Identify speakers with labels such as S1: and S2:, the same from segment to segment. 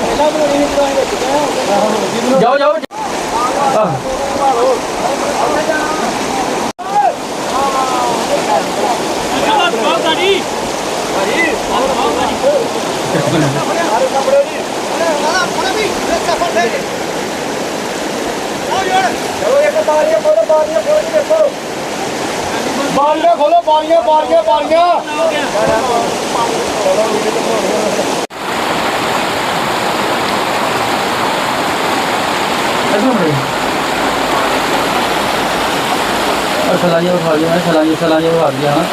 S1: ਜਾਓ ਜਾਓ
S2: ਬਾਰੀਆਂ ਖੋਲੋ ਬਾਰੀਆਂ ਬਾਰੀਆਂ ਬਾਰੀਆਂ
S1: सलाइयाँ उठा दिया सलाइयाँ उठा दिया हाँ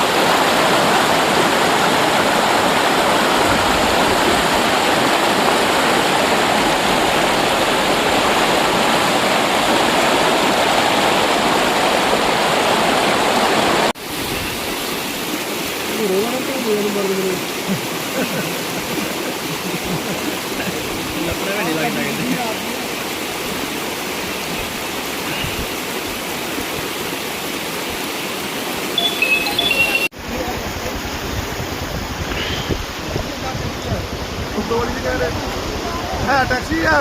S2: है टैक्सी है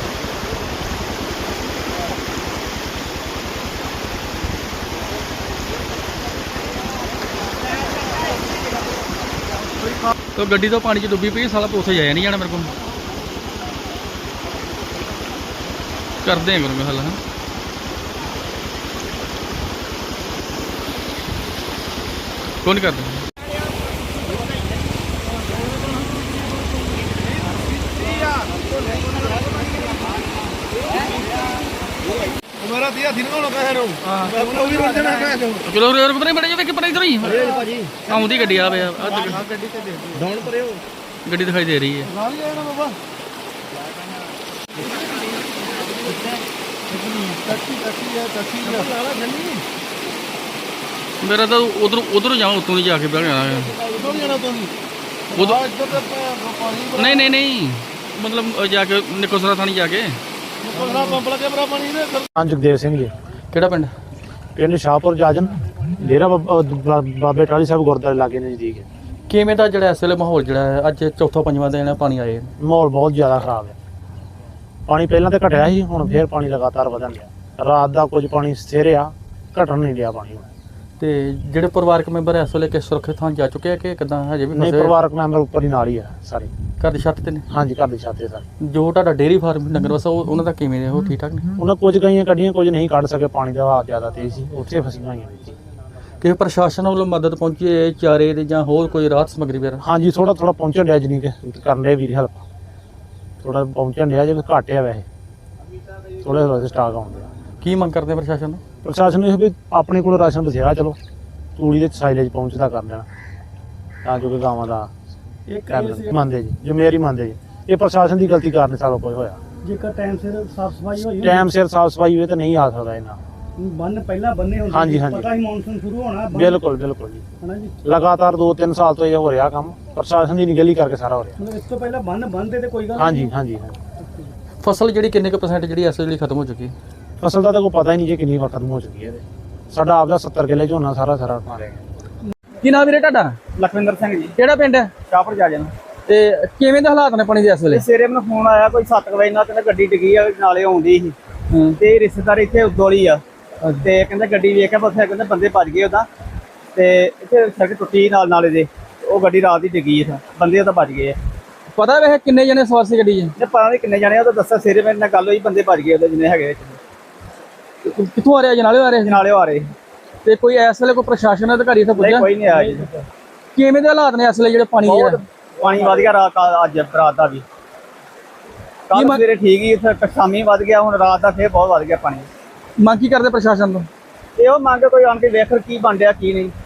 S1: तो गड्डी तो पानी च डुब्बी पई साला उत्थे जाया नहीं जाना मेरे को करते हैं करूँगा हल हाँ कौन करते हैं
S2: मेरा दिया दिन को कह रहा हूं मैं भी रोड देना कह रहा हूं
S1: चलो और पता नहीं बड़े जो कि पता इधर ही
S2: भाजी
S1: आउंदी गड्डी आ बे
S2: गड्डी से दे डाउन पर हो
S1: गड्डी दिखाई दे रही है
S2: गाड़ी लेना बाबा टैक्सी है वाला जल्दी
S1: मेरा तो उधर उधर जाऊँ उतों नहीं जाके बैठ जाना
S2: उधर जाना तो
S1: उधर
S2: इधर तो पानी
S1: नहीं नहीं नहीं मतलब जाके निकोसरा थानी जाके
S2: कोसरा पंप लगे बड़ा पानी ने
S3: ਹਾਂ ਜਗਦੇਵ ਸਿੰਘ ਜੀ
S1: ਕਿਹੜਾ ਪਿੰਡ
S3: ਪਿੰਡ ਸ਼ਾਹਪੁਰ ਜਾਜਨ ਡੇਰਾ ਬਾਬੇ ਟਾਹਲੀ ਸਾਹਿਬ ਗੁਰਦੁਆਰੇ ਲਾਗੇ ਨਜ਼ਦੀਕ ਹੈ।
S1: ਕਿਵੇਂ ਦਾ ਜਿਹੜਾ ਇਸ ਵੇਲੇ ਮਾਹੌਲ ਜਿਹੜਾ ਹੈ ਅੱਜ ਚੌਥਾ ਪੰਜਵਾਂ ਦਿਨ ਪਾਣੀ ਆਏ
S3: ਮਾਹੌਲ ਬਹੁਤ ਜ਼ਿਆਦਾ ਖਰਾਬ ਹੈ। ਪਾਣੀ ਪਹਿਲਾਂ ਤਾਂ ਘਟਿਆ ਸੀ ਹੁਣ ਫੇਰ ਪਾਣੀ ਲਗਾਤਾਰ ਵਧਣ ਲਿਆ। ਰਾਤ ਦਾ ਕੁਝ ਪਾਣੀ ਸਥਿਰ ਆ ਘਟਣ ਨਹੀਂ ਲਿਆ ਪਾਣੀ ਹੁਣ।
S1: ਤੇ ਜਿਹੜੇ ਪਰਿਵਾਰਕ ਮੈਂਬਰ ਇਸ ਵੇਲੇ ਕਿਸ ਸੁਰੱਖਿਅਤ ਥਾਂ ਜਾ ਚੁੱਕੇ ਆ ਕਿ ਕਿਦਾਂ ਹਜੇ ਵੀ
S3: ਨਹੀਂ
S1: ਫਸੇ
S3: ਪਰਿਵਾਰਕ ਮੈਂਬਰ ਉੱਪਰ ਹੀ ਨਾਲ ਹੀ ਆ ਸਾਰੇ।
S1: ਘਰ ਦੀ ਛੱਤ ਤੇ ਨੇ
S3: ਹਾਂਜੀ ਘਰ ਦੇ ਛਾਤੇ ਸਾਰੇ।
S1: ਜੋ ਤੁਹਾਡਾ ਡੇਅਰੀ ਫਾਰਮ ਡੰਗਰ ਵਸਾ ਉਹਨਾਂ ਦਾ ਕਿਵੇਂ ਨੇ ਉਹ ਠੀਕ ਠਾਕ ਨੇ
S3: ਉਹਨਾਂ ਕੁਝ ਗਈਆਂ ਕੱਢੀਆਂ ਕੁਝ ਨਹੀਂ ਕੱਢ ਸਕੇ ਪਾਣੀ ਦਾ ਵਹਾਅ ਜ਼ਿਆਦਾ ਤੇਜ਼ ਸੀ ਉੱਥੇ ਫਸੀਆਂ ਹੋਈਆਂ ਨੇ ਜੀ।
S1: ਕਿ ਪ੍ਰਸ਼ਾਸਨ ਵੱਲੋਂ ਮਦਦ ਪਹੁੰਚੀ ਹੈ ਚਾਰੇ ਦੇ ਜਾਂ ਹੋਰ ਕੋਈ ਰਾਹਤ ਸਮੱਗਰੀ ਵਗੈਰਾ
S3: ਹਾਂਜੀ ਥੋੜਾ ਪਹੁੰਚਣ ਡਿਆ ਜਨੀ ਕਿ ਕਰਨ ਦੇ ਵੀਰ ਹੈਲਪ ਥੋੜਾ ਪਹੁੰਚਣ ਡਿਆ ਜੇ ਘੱਟ ਆ ਵੈਸੇ ਥੋੜੇ ਥੋੜੇ ਸਟਾਕ ਆਉਂਦੇ ਆ।
S1: ਕੀ ਮੰਗ ਕਰਦੇ ਪ੍ਰਸ਼ਾਸਨ ਨੂੰ
S3: ਪ੍ਰਸ਼ਾਸਨ ਨੂੰ ਇਹ ਵੀ ਆਪਣੇ ਕੋਲ ਰਾਸ਼ਨ ਬਥੇਰਾ ਚਲੋ ਤੂੜੀ ਦੇ ਸਾਈਲੇਜ ਪਹੁੰਚਦਾ ਕਰ ਦੇਣਾ ਤਾਂ ਜੋ ਕਿ ਗਾਵਾਂ ਦਾ ਮੰਨਦੇ ਜੀ ਜ਼ਿੰਮੇਵਾਰੀ ਮੰਨਦੇ ਜੀ। ਇਹ ਪ੍ਰਸ਼ਾਸਨ ਦੀ ਗਲਤੀ ਕਾਰਨ ਸਾਰਾ ਕੁਝ ਹੋਇਆ।
S4: ਜੇਕਰ ਟਾਈਮ ਸਿਰ ਸਾਫ ਸਫਾਈ ਹੋਈ
S3: ਟਾਈਮ ਸਿਰ ਸਾਫ ਸਫਾਈ ਹੋਵੇ ਤਾਂ ਨਹੀਂ ਆ ਸਕਦਾ ਇਹਨਾਂ
S4: ਬੰਨ ਪਹਿਲਾਂ ਬੰਨੇ ਹੁੰਦੇ
S3: ਹਾਂਜੀ, ਹਾਂਜੀ।
S4: ਪਤਾ ਹੀ ਮੌਨਸੂਨ ਸ਼ੁਰੂ ਹੋਣਾ
S3: ਬਿਲਕੁਲ ਬਿਲਕੁਲ ਜੀ
S4: ਹਨਾ ਜੀ
S3: ਲਗਾਤਾਰ 2-3 ਸਾਲ ਤੋਂ ਇਹ ਹੋ ਰਿਹਾ ਕੰਮ ਪ੍ਰਸ਼ਾਸਨ ਦੀ ਨਿਗਲੀ ਕਰਕੇ ਸਾਰਾ ਹੋ ਰਿਹਾ।
S4: ਮਤਲਬ ਇਸ ਤੋਂ ਪਹਿਲਾਂ ਬੰਨ ਬੰਨਦੇ ਤੇ ਕੋਈ ਗੱਲ
S3: ਹਾਂਜੀ ਹਾਂਜੀ ਹਾਂਜੀ।
S1: ਫਸਲ ਜਿਹੜੀ ਕਿੰਨੇ ਕੁ % ਜਿਹੜੀ ਇਸ ਵੇਲੇ ਖਤਮ ਹੋ ਚੁੱਕੀ ਹੈ
S3: ਫਸਲ ਦਾ ਤਾਂ ਕੋਈ ਪਤਾ ਹੀ ਨਹੀਂ ਜੀ ਕਿੰਨੀ ਵਾਰ ਖਤਮ ਹੋ ਚੁੱਕੀ ਹੈ ਇਹਦੇ। ਸਾਡਾ ਆਪਦਾ 70 ਕਿੱਲੇ ਝੋਨਾ ਸਾਰਾ ਮਾਰਿਆ ਗਿਆ।
S1: ਕੀ ਨਾਮ ਵੀਰੇ ਤੁਹਾਡਾ
S4: ਲਖਵਿੰਦਰ ਸਿੰਘ ਜੀ
S1: ਕਿਹੜਾ ਪਿੰਡ ਹੈ
S4: ਸ਼ਾਹਪੁਰ ਜਾ ਜਾਣਾ
S1: ਤੇ ਕਿਵੇਂ ਦੇ ਹਾਲਾਤ ਨੇ ਪਾਣੀ ਦੇ ਇਸ ਵੇਲੇ
S4: ਸਵੇਰੇ ਮੈਨੂੰ ਫੋਨ ਆਇਆ ਕੋਈ 7 ਵਜੇ ਨਾਲ ਕਹਿੰਦਾ ਗੱਡੀ ਡਿੱਗੀ ਆ ਨਾਲੇ ਆਉਂਦੀ ਸੀ ਤੇ ਰਿਸ਼ਤੇਦਾਰ ਇੱਥੇ ਉਦੋਲੀ ਆ ਤੇ ਕਹਿੰਦਾ ਗੱਡੀ ਵੇਖ ਕੇ ਉੱਥੇ ਕਹਿੰਦੇ ਬੰਦੇ ਭੱਜ ਗਏ ਉਹਦਾ ਤੇ ਇੱਥੇ ਸੜਕ ਟੁੱਟੀ ਨਾਲ ਨਾਲੇ ਦੇ ਉਹ ਗੱਡੀ ਰਾਤ ਦੀ ਡਿੱਗੀ ਆ ਬੰਦੇ ਉਹਦਾ ਭੱਜ ਗਏ ਆ।
S1: ਪਤਾ ਵੇ ਕਿੰਨੇ ਜਣੇ ਸਵਾਰ ਸੀ ਗੱਡੀ 'ਚ
S4: ਤੇ ਪਤਾ ਨਹੀਂ ਕਿੰਨੇ ਜਾਣੇ ਉਹ ਤਾਂ ਦੱਸਿਆ ਸਵੇਰੇ ਮੇਰੇ ਨਾਲ ਗੱਲ ਹੋਈ ਬੰਦੇ ਭੱਜ ਗਏ ਉਹਦੇ ਜਿੰਨੇ ਹੈਗੇ ਵਿੱਚ
S1: ਕਿੱਥੋਂ ਆ ਰਿਹਾ ਜਨਾਲੇ ਆ ਰਹੇ
S4: ਨਾਲੇ ਆ ਰਹੇ
S1: ਤੇ ਕੋਈ ਇਸ ਵੇਲੇ ਕੋਈ ਪ੍ਰਸ਼ਾਸਨ ਅਧਿਕਾਰੀ ਇੱਥੇ
S4: ਨਹੀਂ
S1: ਪੁੱਜਿਆ
S4: ਕੋਈ ਨਹੀਂ ਆਇਆ ਜੀ।
S1: ਕਿਵੇਂ ਦੇ ਹਾਲਾਤ ਨੇ ਇਸ ਵੇਲੇ ਜਿਹੜੇ ਪਾਣੀ ਦੇ
S4: ਬਹੁਤ ਪਾਣੀ ਵਧ ਗਿਆ ਰਾਤ ਅੱਜ ਰਾਤ ਦਾ ਵੀ ਕੱਲ
S1: ਮੰਗ-
S4: ਸਵੇਰੇ ਠੀਕ ਹੀ ਫਿਰ ਸ਼ਾਮੀ ਵਧ ਗਿਆ ਹੁਣ ਰਾਤ ਦਾ ਫੇਰ ਬਹੁਤ ਵਧ ਗਿਆ ਪਾਣੀ।
S1: ਮੰਗ ਕੀ ਕਰਦੇ ਪ੍ਰਸ਼ਾਸਨ ਤੋਂ
S4: ਇਹ ਉਹ ਮੰਗ ਕੋਈ ਆਣ ਕੇ ਵੇਖ ਕੀ ਬਣ ਰਿਹਾ ਕੀ ਨਹੀਂ।